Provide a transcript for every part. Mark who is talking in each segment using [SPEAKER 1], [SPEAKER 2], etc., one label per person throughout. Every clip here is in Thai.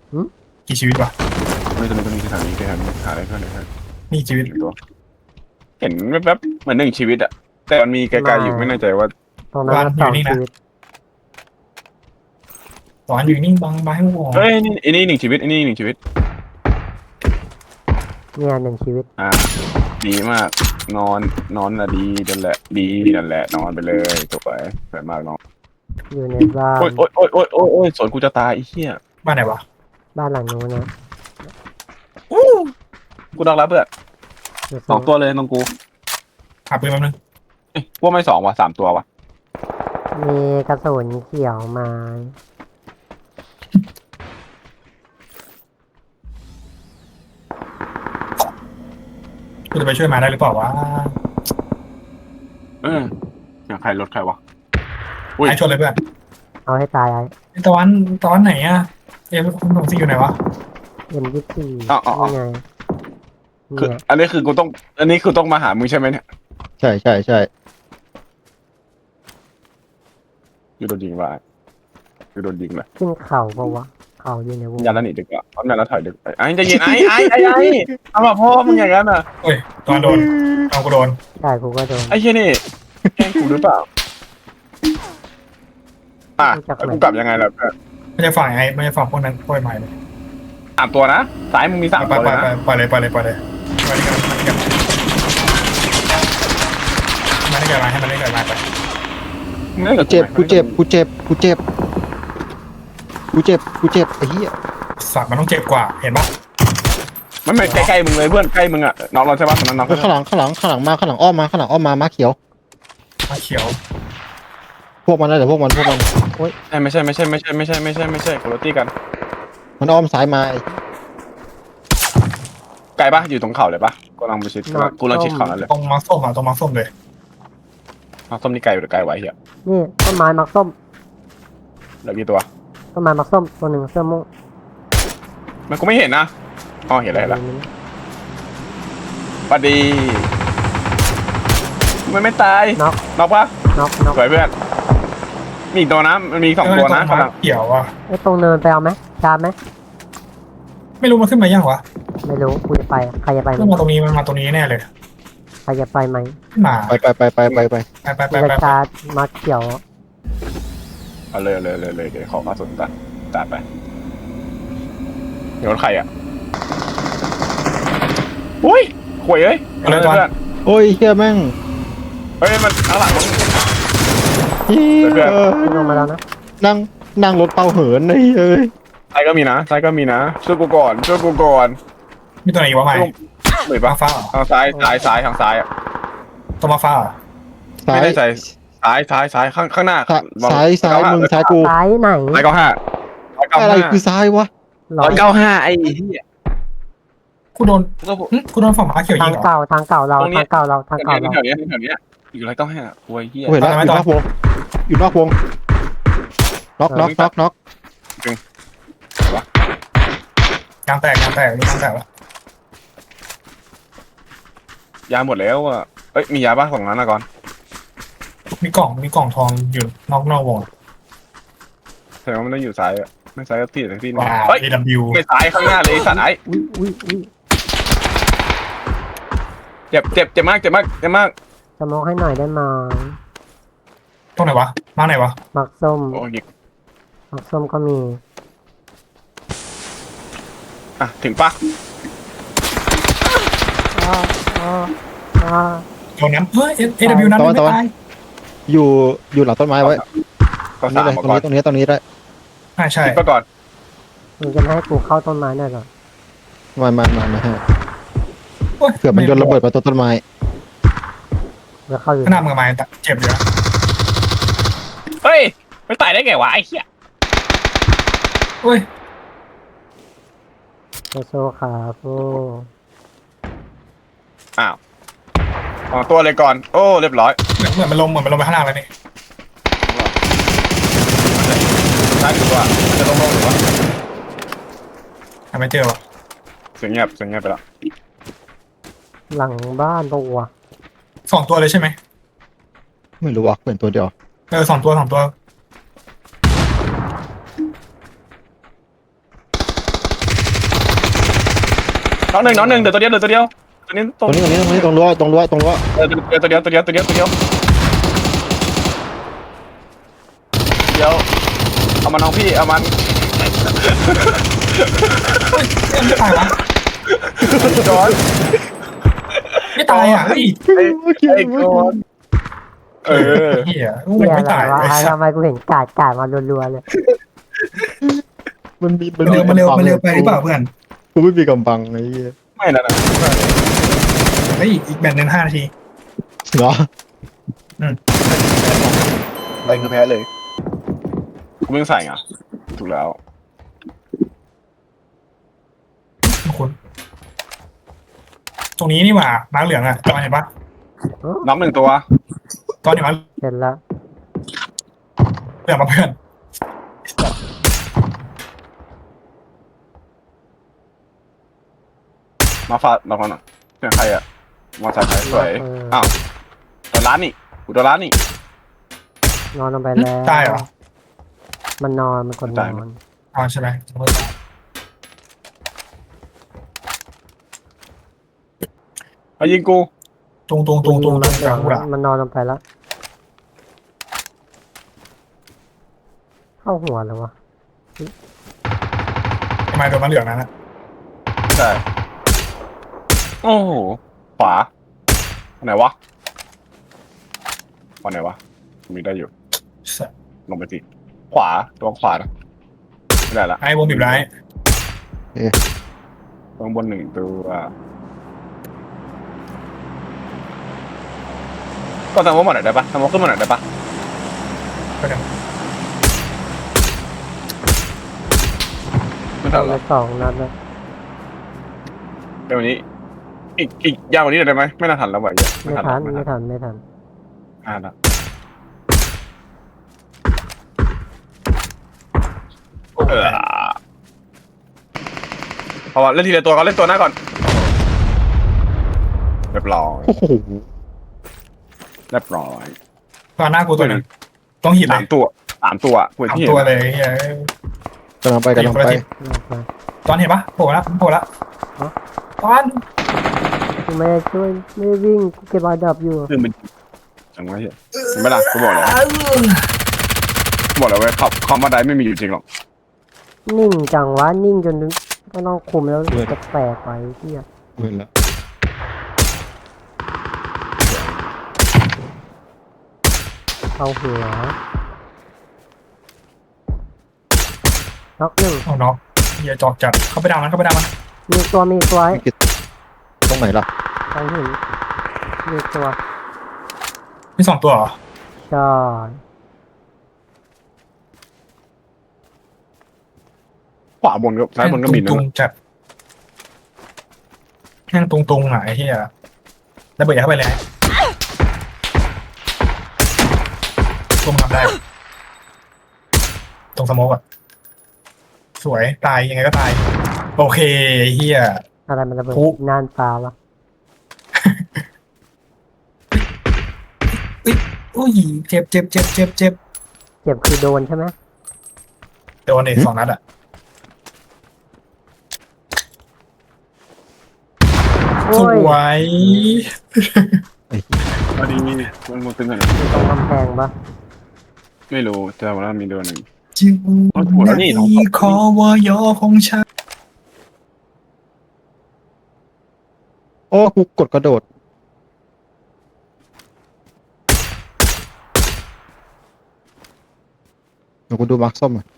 [SPEAKER 1] หืม
[SPEAKER 2] กี่ชีวิตวะ
[SPEAKER 3] ไม่ตัวนี้คือทางนี้คือทางนี้หาได้เพื่อนได้เพื่อน
[SPEAKER 2] นี่ชีวิต
[SPEAKER 3] ตัวเห็นแวบๆเหมือนหนึ่งชีวิตอะแต่มันมีไกลๆอยู่ไม่แน่ใจว่า
[SPEAKER 1] ตรงนั้นก็สองชีวิต
[SPEAKER 2] สอนอยู่นิ่งบังให้วง
[SPEAKER 3] เฮ้ยนี่อันนี้หนึ่งชีวิตอันนี้หนึ่งชีวิต
[SPEAKER 1] เนี่ยหนึ่งชีวิต
[SPEAKER 3] อ่าดีมากนอนน่ะดีนั่นแหละดีนั่นแหละนอนไปเลยสวยสวยมากน้อง
[SPEAKER 1] อยู่ในบ้าน
[SPEAKER 3] โอ้ยสวนกูจะตายไอ้เหี้ย
[SPEAKER 2] บ้านไหนวะ
[SPEAKER 1] บ้านหลังนู้นนะ
[SPEAKER 3] กูดักแล้วเพื่อนสองตัวเลยน้องกู
[SPEAKER 2] หาปืนแป๊บนึง
[SPEAKER 3] พวกไม่สองว่ะสามตัวว่ะ
[SPEAKER 1] มีกระสุนเขียวมา
[SPEAKER 2] กูจะไปช่วยมาได้หรือเปล่าวะ
[SPEAKER 3] อย่างใครรถใครวะอุ้ย
[SPEAKER 2] ไอ้ชนเลยเพื่อน
[SPEAKER 1] เอาให้ตาย
[SPEAKER 2] ไอ้ตะวันไหนอะคุณหนุ่มซีอยู่ไหนวะ
[SPEAKER 1] M24นี่ไง
[SPEAKER 3] คือ
[SPEAKER 1] เนี่ย
[SPEAKER 3] อันนี้คือกูต้องมาหามึงใช่ไหมเนี่ย
[SPEAKER 4] ใช่
[SPEAKER 3] อยู่โดนยิงว่ะอยู่โดนยิงเลย
[SPEAKER 1] ขึ้นเขาปะวะเขาอยู่ในวง
[SPEAKER 3] ยันแล้วหนีดึกอ่ะพร้อมยันแล้วถอยดึกไปไอ้จะยิงไอ้เอามาพ่อมึงอย่างนั้นอ่ะ
[SPEAKER 2] เฮ้ยตอนโดนเอากูโดน
[SPEAKER 1] ได้กูก็โดน
[SPEAKER 3] ไอ้เชี่ยนี่แกล้งกูหรือเปล่ากูกลับยังไงล่ะเพื่อน
[SPEAKER 2] ไม่ใช่ฝั่งพวกนั้นปล่อยใหม่เลย
[SPEAKER 3] สามตัวนะซ้ายมึงมีสาม
[SPEAKER 2] ไป
[SPEAKER 3] ตัวเลยนะ
[SPEAKER 2] ปล่อยเลยมาได้เกิดมาให้มันได้เกิดมาไป
[SPEAKER 4] กูเจ็บไอ้เหี้ย
[SPEAKER 2] สัตว์มันต้องเจ็บกว่าเห็นปะ
[SPEAKER 3] มันไม่ใกล้ๆมึงเลยเพื่อนใกล้มึงอ่ะน้องเราใช่ปะตอนนั้นน้อง
[SPEAKER 4] ข้างหลังอ้อมมาเขียว
[SPEAKER 2] มาเขียว
[SPEAKER 4] พวกมันนะเดี๋ยวพวกมัน
[SPEAKER 3] ไม่ใช่คนละตี้กัน
[SPEAKER 4] มันอ้อมซ้ายมา
[SPEAKER 3] ไกลปะอยู่ตรงเขาเลยปะกูลังไปชิดกูลังชิดเขานั่นเลย
[SPEAKER 2] ตรงมาส้มอ่ะตรงมาส้มเลย
[SPEAKER 3] ส้มนี่ไกลหรือไกลไว้เหี้ย
[SPEAKER 1] นี่ต้นไม้มักส้ม
[SPEAKER 3] เหลือกี่ตัว
[SPEAKER 1] ต้นไม้มักส้มตัวหนึ่งเสื้อม่วง
[SPEAKER 3] มันกูไม่เห็นนะอ๋อเห็นแล้วปะดีมันไม่ตาย
[SPEAKER 1] น็อก
[SPEAKER 3] ปะ
[SPEAKER 1] น็อก
[SPEAKER 3] สวยเพื่อนมีอีกตัวนะมันมีสองตัวนะ
[SPEAKER 2] เขียวอ่ะ
[SPEAKER 1] ไอ้ตรงเนินไปเอาไหมชาร์จไหม
[SPEAKER 2] ไม่รู้มันขึ้นมายังวะ
[SPEAKER 1] ไม่รู้กูจะไปใครจะไปไหม
[SPEAKER 2] ขึ้นมาตรงนี้มันมาตรงนี้แน่เลย
[SPEAKER 1] ใครจะไปไหม
[SPEAKER 2] มา
[SPEAKER 4] ไป
[SPEAKER 1] กูจะชาร์จมักเขียว
[SPEAKER 3] เอาเลยเดี๋ยวขอกระสุนตัดไปเดี๋ยวรถใครอ่ะอุ้ยข่วยเอ้ยเพื่อน
[SPEAKER 4] โอ้ยเหี้ยแม่ง
[SPEAKER 3] เฮ้ยมันข้างหลัง
[SPEAKER 4] เหี้ย
[SPEAKER 1] ลงมาแล้วนะ
[SPEAKER 4] นั่งรถเป่าเหินไอ้เอ้ย
[SPEAKER 3] ซ้ายก็มีนะช่วยกูก่อน
[SPEAKER 2] มีตัวไหนอีกวะใหม่
[SPEAKER 3] เหมือน
[SPEAKER 2] มา
[SPEAKER 3] ปะ
[SPEAKER 2] ฟ้า
[SPEAKER 3] ทางซ้ายทางซ้ายอ่ะ
[SPEAKER 2] ตัวมาฟ้า
[SPEAKER 3] ไม่ได้ใจซ้ายข้างหน้า
[SPEAKER 4] ซ้ายมึงซ้ายกู
[SPEAKER 1] ซ้ายไหน
[SPEAKER 3] 195
[SPEAKER 4] อะไรคือซ้ายวะ
[SPEAKER 3] 195ไอ้เหี้ย
[SPEAKER 2] กูโดนฝั่งม้าเขียวยิ
[SPEAKER 1] ทาง
[SPEAKER 2] งเหรอ
[SPEAKER 1] เก่าทางเก่าเรา
[SPEAKER 3] ตรงนี้
[SPEAKER 1] ทางเก่าเราทางเก่าเรา
[SPEAKER 3] แถวนี้อยู่195โอ้ยเหี้ย
[SPEAKER 4] เห็นแล้วอยู่นอกวงน็อก
[SPEAKER 2] ยางแตกนี่ยางแตกวะ
[SPEAKER 3] ยาหมดแล้วอ่ะเอ้ยมียาบ้างของนั้นนะก่อน
[SPEAKER 2] มีกล่องทองอยู่นอกวง
[SPEAKER 3] แสดงว่ามันต้องอยู่ซ้ายอ่ะไม่ซ้ายก็ที่นึง
[SPEAKER 2] ว้าว
[SPEAKER 3] เฮ้ย
[SPEAKER 2] AW
[SPEAKER 3] ไม่ซ้ายข้างหน้าเลยสัตว์ไอ้
[SPEAKER 1] อุ้ย
[SPEAKER 3] เจ็บมาก
[SPEAKER 1] สมองให้หน่อยได้ไหม
[SPEAKER 2] ตรงไหนวะมาไหนวะ
[SPEAKER 1] มักส้ม
[SPEAKER 3] โอ้ย
[SPEAKER 1] มักส้มก็มี
[SPEAKER 3] อ่ะถึงปะ
[SPEAKER 2] ตรงนั้นเฮ้ย AW นั้นไม่ตาย
[SPEAKER 4] อยู่หลังต้นไม้ไว้
[SPEAKER 3] ก็สามก่อน
[SPEAKER 4] ตรงนี้ได้
[SPEAKER 2] ใช่
[SPEAKER 3] คิดไปก่อน
[SPEAKER 1] มึงจะให้กูเข้าต้นไม้หน่อยเหรอ
[SPEAKER 4] มาฮะเผื่อมันโยนระเบิดมาต้นไม้
[SPEAKER 1] เดี๋ยวเข้าอยู่
[SPEAKER 2] ขนาดมือไม้เจ็บอยู่นะ
[SPEAKER 3] เฮ้ยไม่ตายได้ไงวะไอ้เหี้ย
[SPEAKER 2] เฮ้ย
[SPEAKER 1] โซขาโฟ
[SPEAKER 3] อ้าวตัวเลยก่อนโอ้เรียบร้อย
[SPEAKER 2] เหมือนมันลงไปข้างล่างแล้วนี่
[SPEAKER 3] ซ้ายหรือว่าจะลงหรือว่า
[SPEAKER 2] ไม่เจอวะ
[SPEAKER 3] เสียงเงียบไปแล้ว
[SPEAKER 1] หลังบ้านตัว
[SPEAKER 2] 2 ตัวเลยใช่ไหม
[SPEAKER 4] ไม่รู้ว่าเป็นตัวเดียว
[SPEAKER 2] 2 ตัว
[SPEAKER 3] น้องหนึ่งเดี๋ยวตัวเดียวตัวนี้
[SPEAKER 4] ตรงนี้ตรงนี้ตรงรั้ว
[SPEAKER 3] ตัวเดียวเอามันน้องพี่เอามัน
[SPEAKER 2] ไม่ตายวะ
[SPEAKER 3] จอน
[SPEAKER 2] ไม่ตายอ่ะเฮ้ย
[SPEAKER 3] ไอ้จอนเออ
[SPEAKER 2] เหี้ย
[SPEAKER 1] เหี้ย
[SPEAKER 2] ไม่
[SPEAKER 1] อะไร
[SPEAKER 2] ตายว
[SPEAKER 1] ะ
[SPEAKER 2] ไอ้สั
[SPEAKER 1] ทำ
[SPEAKER 2] ส
[SPEAKER 1] ไมกูเห็นกาดมารัวๆเลย
[SPEAKER 4] มันมี
[SPEAKER 2] มันเร็วไปหรือเปล่าเพื่อน
[SPEAKER 4] กูไม่มีกำบังไอ้เหี้ย
[SPEAKER 3] ไม่นะ
[SPEAKER 2] เฮ้ยอีกแบตหนึ่ง5 นาที
[SPEAKER 4] เหรอ
[SPEAKER 3] อะไรคือแพ้เลยกูไม่ใส่อ่ะถูกแล้ว
[SPEAKER 2] คุณตรงนี้นี่หว่ามาร์กเหลืองอ่ะตอนเห็นปะ
[SPEAKER 3] น้องหนึ่งตัว
[SPEAKER 2] ตอนเห็นปะ
[SPEAKER 1] เห็นแล้ว
[SPEAKER 2] เหลืองมาเพื่อน
[SPEAKER 3] มาฟาดมาฟังหน่อยเสียงใครอ่ะมาใส่ใครสวยอ้าวตัวร้านนี่กูตัวร้านนี่
[SPEAKER 1] นอนลงไปแล้ว
[SPEAKER 2] ตายเหรอ
[SPEAKER 1] มันนอนมันกดนอน
[SPEAKER 2] อ๋อใช่ไหม
[SPEAKER 3] มายิงกู
[SPEAKER 2] ตรง
[SPEAKER 1] มัน
[SPEAKER 2] กลางกูละ
[SPEAKER 1] มันนอนลงไปแล้ว เข้าหัวเลยวะ
[SPEAKER 2] ทำไมโดนมาเหลืองนั้นอ่ะ
[SPEAKER 3] ใช่โอ้โหขวาไหนวะวันไหนวะมีได้อยู่ลงไปสิขวาตัวขวานะไม่ได้ละ
[SPEAKER 2] ไอ้วงบีบร้าย
[SPEAKER 3] ตรงบนหนึ่งตัวก็ทำว่าหมดหน่อยได้ปะทำว่าขึ้นมาหน่อยได้ปะ
[SPEAKER 2] ก็เดี๋ยว
[SPEAKER 3] ไม่ทัน
[SPEAKER 1] ไป
[SPEAKER 3] ละ
[SPEAKER 1] 2 นัดแล้ว
[SPEAKER 3] เดี๋ยววันนี้อีกยาวกว่านี้ได้ไหมไม่น่าทันแล้วว่ะ
[SPEAKER 1] ไม่ทันไม่ทัน
[SPEAKER 3] ละเพราะว่าเล่นทีละตัวก่อนเล่นตัวหน้าก่อนเรียบร้อย
[SPEAKER 4] โอ้โห
[SPEAKER 3] เรียบร้อย
[SPEAKER 2] ตอนหน้ากูตัวหนึ่งต้องหินเล
[SPEAKER 3] สาย มตัวกู
[SPEAKER 2] สาม
[SPEAKER 3] ที่
[SPEAKER 2] ตัวเลยเฮ้ย
[SPEAKER 4] กำลังไป
[SPEAKER 2] ตอนเห็นปะโผล่แล้วตอน
[SPEAKER 1] กูไม่ได้ช่วยไม่ได้วิ่งกูเก็บออดับอยู่
[SPEAKER 3] คือมันจังวะเหี้ยไม่ล่ะกูบอกแล้วเว้ยคอมมาได้ไม่มีอยู่จริงหรอก
[SPEAKER 1] นิ่งจังวะนิ่งจนก็ต้องคุมแล้วจะแตกไปเที่ย
[SPEAKER 4] เห็นแล้ว
[SPEAKER 1] เข้าหัวน็อกหนึ่ง
[SPEAKER 2] เอาน็อกเฮียจอกจัดเข้าไปดาวมัน
[SPEAKER 1] มีตัวไอ้
[SPEAKER 4] ตรงไหนล่ะ
[SPEAKER 1] ทางหินมีตัว
[SPEAKER 2] มี2 ตัวเหรอ
[SPEAKER 1] ใช่
[SPEAKER 3] ขวาบนก็ซ้ายบนก็มีนะ
[SPEAKER 2] ตุงจัดแห้งตุงอ่ะไอ้เฮียแล้วเบิดเข้าไปเลยตุงทำได้ตรงสโมกอ่ะสวยตายยังไงก็ตายโอเคเฮีย
[SPEAKER 1] อะไรมันระเบิด
[SPEAKER 2] ปุ๊
[SPEAKER 1] น่านฟ้าวะ
[SPEAKER 2] อุ้ยเจ็บ
[SPEAKER 1] เจ็บคือโดนใช่ไหม
[SPEAKER 2] โดนอีก2 นัดอ่ะ
[SPEAKER 1] โอ้
[SPEAKER 2] ส
[SPEAKER 1] ย
[SPEAKER 2] วย
[SPEAKER 3] พอดีมันตึงกัน
[SPEAKER 1] อยู่ตรงกำแพงปะ
[SPEAKER 3] ไม่รู้แต่ว่ามีโดนหนึ่ง
[SPEAKER 2] จึง
[SPEAKER 3] เอาหัวแล้วนี่น้อง
[SPEAKER 2] คอวยอของฉัน
[SPEAKER 4] โอ้กูกดกระโดดเดี๋ยวกูดูมาร์คส้มอ่ะ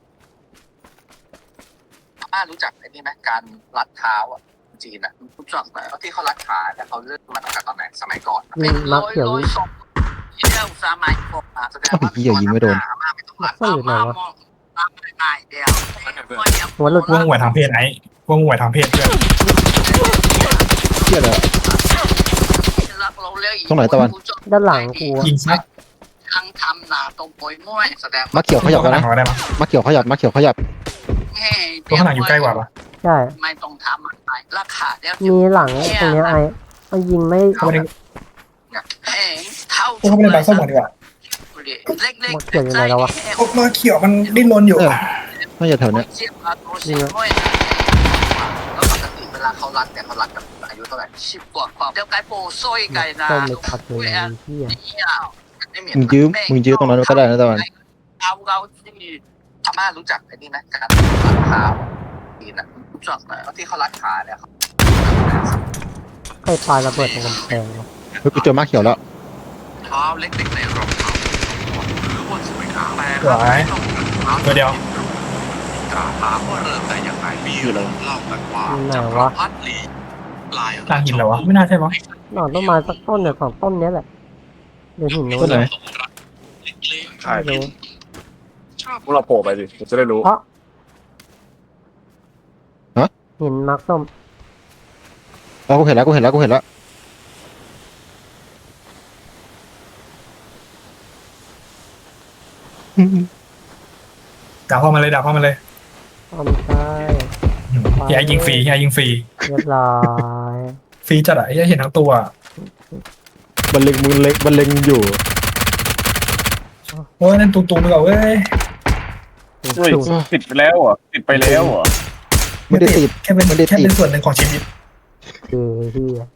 [SPEAKER 5] รู้จักไอ้นี่ไหมการรัดเท้าอ่ะจีนอ่ะรู้จักไหมที่เขารัดขาแต่เขาเริ่มมาตั้งแต่ตอนไหนสมัยก่อน
[SPEAKER 1] ยิงมักเขียว
[SPEAKER 5] ศพเที่ยวสมัยก่อนแสดงว่า
[SPEAKER 4] เหี้ยยิงไม่โดน
[SPEAKER 5] ไม่ต้องรัดเท้ามามองตามง่ายเดียว
[SPEAKER 1] หัวหลุด
[SPEAKER 2] ว่างหวยทางเพศไอ้ว่างหวยทางเพศเพื่อน
[SPEAKER 4] เหี้ยเลย ตรงไหนตะวัน
[SPEAKER 1] ด้านหลังกูอะ
[SPEAKER 2] ยิงซะ
[SPEAKER 5] ทั้งทำหนาตรงโปยม้วยแสดง
[SPEAKER 4] มาเขียวขยับ
[SPEAKER 2] ข้างหลั
[SPEAKER 4] นะ
[SPEAKER 2] งเราได้ปะ
[SPEAKER 4] มาเขียวขยับ
[SPEAKER 2] ตัวข้างหลังอยู่ใกล้กว่าปะ
[SPEAKER 1] ใช่
[SPEAKER 5] ไม่ต้องทำอะไรราคาเดียว
[SPEAKER 1] มีหลังตรงเนี้ยไอ้ยิงไม่
[SPEAKER 2] เข้าไปใน
[SPEAKER 5] เท่า
[SPEAKER 2] เข้าไปในบางส้มก่อนดีกว่า
[SPEAKER 1] หมดเขียวอยู่ไหนแล้ววะ
[SPEAKER 2] ออกมาเขียวมันดิ้นรนอยู่
[SPEAKER 4] เออน่าจะแถวเนี้ย
[SPEAKER 5] แล้วปกติเวลลาเขารัดเนี่ยเขารัดกับอายุเท่าไหร่10 กว่าความเดี๋ยวไกด์โปโซ่ไกด์นะ
[SPEAKER 1] ต้มไม่พัดเลยนะไอ้เหี้ย
[SPEAKER 4] มึงยื้อตรงนั้นก็ได้นะตะวัน
[SPEAKER 5] เราที่อาม่ารู้จักไอ้นี่ไหมการรัดขาดีนะรู้จักไหมที่เขารัดขาเนี่ย
[SPEAKER 1] ใครปาระเบิดตรงกำแพงวะ
[SPEAKER 4] เฮ้ยกูเจอม้าเขียวแล้ว
[SPEAKER 5] เท้าเล็กๆในรองเท้าหรือบนสวยงามแต่
[SPEAKER 2] สวยตัวเดียว
[SPEAKER 5] ถามว่าเริ่มได้ยังไงมีเรื่องเล่ากันว่า
[SPEAKER 1] ไหนวะ
[SPEAKER 5] พัดลีลาย
[SPEAKER 2] กลางหินเหรอวะไม่น่าใช่มั้ง
[SPEAKER 1] หนอนต้นไม้สักต้นเนี่ยของต้นเนี้ยแหละเดี๋ยวหินนู้
[SPEAKER 4] ต้น
[SPEAKER 1] น
[SPEAKER 4] ไหน
[SPEAKER 3] ใช่
[SPEAKER 1] ไม่รู้
[SPEAKER 3] พวกเราโผล่ไปสิจะได้รู้
[SPEAKER 1] เพราะหินมาร์คส้ม
[SPEAKER 4] กูเห็นแล้วกูเห็นแล้วกูเห็นแล้ว
[SPEAKER 2] ด่าเข้ามาเลยด่าเข้ามาเลย
[SPEAKER 1] ต้นใช่
[SPEAKER 2] เฮียยิงฟรีเฮียยิงฟรี
[SPEAKER 1] เรียบร้อย
[SPEAKER 2] ฟรีจัดอะเฮียเห็นทั้งตัว
[SPEAKER 4] มันเล็งมึงเล็งมันเล็งอยู่
[SPEAKER 2] โอ้ยนั่นตุ้งๆไปก่อนเว้ย
[SPEAKER 3] เฮ้ยติดไปแล้วเหรอติดไปแล้วเหรอ
[SPEAKER 4] ไม่ได้ติด
[SPEAKER 2] แค่เป็น
[SPEAKER 4] ไม่ได้ติด
[SPEAKER 2] แค่เป็นส่วนหนึ่งของชีวิต
[SPEAKER 1] คือที่